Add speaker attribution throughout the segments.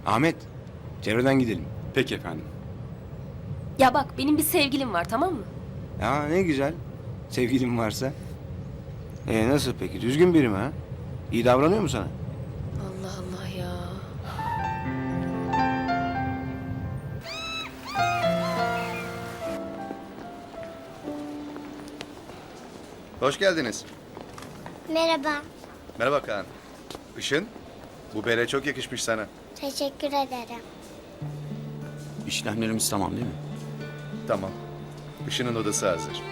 Speaker 1: Ahmet, çevreden gidelim.
Speaker 2: Peki efendim.
Speaker 3: Ya bak benim bir sevgilim var, tamam mı?
Speaker 1: Ya ne güzel. Sevgilin varsa. Nasıl peki? Düzgün biri mi ha? İyi davranıyor mu sana?
Speaker 3: Allah Allah ya.
Speaker 4: Hoş geldiniz.
Speaker 5: Merhaba.
Speaker 4: Merhaba Kaan. Işın, bu bere çok yakışmış sana.
Speaker 5: Teşekkür ederim.
Speaker 2: İşlemlerimiz tamam değil mi?
Speaker 4: Tamam. Işın'ın odası hazır.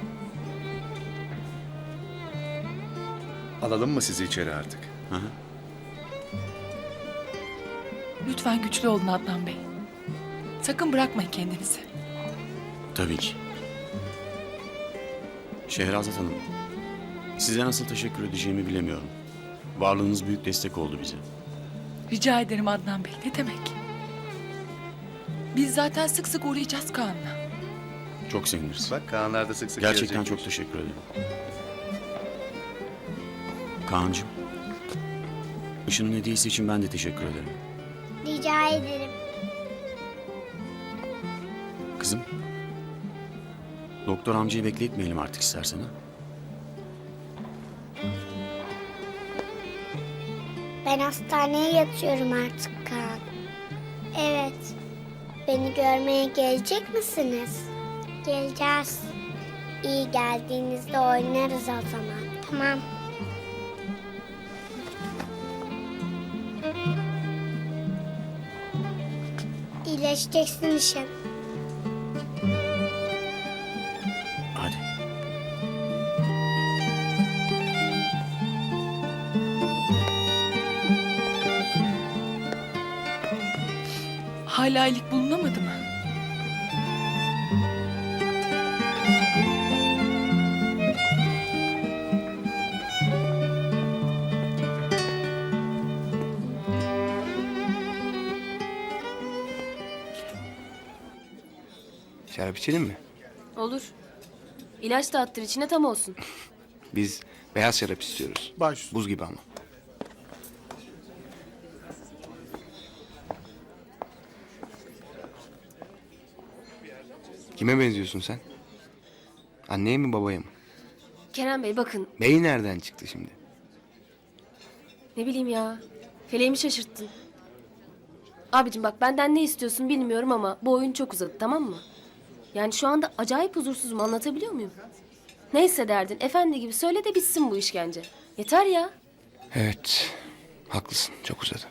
Speaker 4: Alalım mı sizi içeri artık?
Speaker 2: Hı hı.
Speaker 6: Lütfen güçlü olun Adnan Bey. Sakın bırakmayın kendinizi.
Speaker 2: Tabii ki. Şehrazat Hanım, size nasıl teşekkür edeceğimi bilemiyorum. Varlığınız büyük destek oldu bize.
Speaker 6: Rica ederim Adnan Bey. Ne demek? Biz zaten sık sık uğrayacağız Kaan'la.
Speaker 2: Çok seviniriz.
Speaker 4: Bak Kaanlar da sık sık
Speaker 2: Gerçekten
Speaker 4: gelecekmiş.
Speaker 2: çok teşekkür ederim. Kaan'cığım, Işın'ın hediyesi için ben de teşekkür ederim.
Speaker 5: Rica ederim.
Speaker 2: Kızım, doktor amcayı bekletmeyelim artık istersen ha.
Speaker 5: Ben hastaneye yatıyorum artık Kaan. Evet. Beni görmeye gelecek misiniz? Geleceğiz. İyi geldiğinizde oynarız o zaman. Tamam. İyileşeceksin işin.
Speaker 2: Hadi.
Speaker 6: Hala iyilik bulunamadı mı?
Speaker 1: Şarap içelim mi?
Speaker 3: Olur. İlaç da attır içine tam olsun.
Speaker 1: Biz beyaz şarap istiyoruz.
Speaker 7: Baş.
Speaker 1: Buz gibi ama. Kime benziyorsun sen? Anneye mi babaya mı?
Speaker 3: Kerem Bey bakın,
Speaker 1: Bey nereden çıktı şimdi?
Speaker 3: ne bileyim ya. Feleğimi şaşırttın. Abicim bak benden ne istiyorsun bilmiyorum ama bu oyun çok uzadı, tamam mı? Yani şu anda acayip huzursuzum, anlatabiliyor muyum? Neyse derdin, efendi gibi söyle de bitsin bu işkence. Yeter ya.
Speaker 1: Evet, haklısın. Çok uzadı.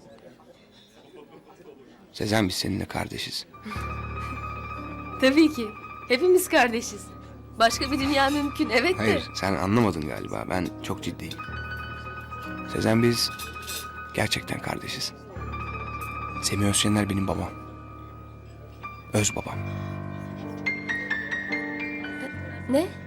Speaker 1: Sezen biz seninle kardeşiz.
Speaker 3: Tabii ki. Hepimiz kardeşiz. Başka bir dünya mümkün, evet de.
Speaker 1: Hayır, sen anlamadın galiba. Ben çok ciddiyim. Sezen biz gerçekten kardeşiz. Semih Özşener benim babam. Öz babam.
Speaker 3: Ne?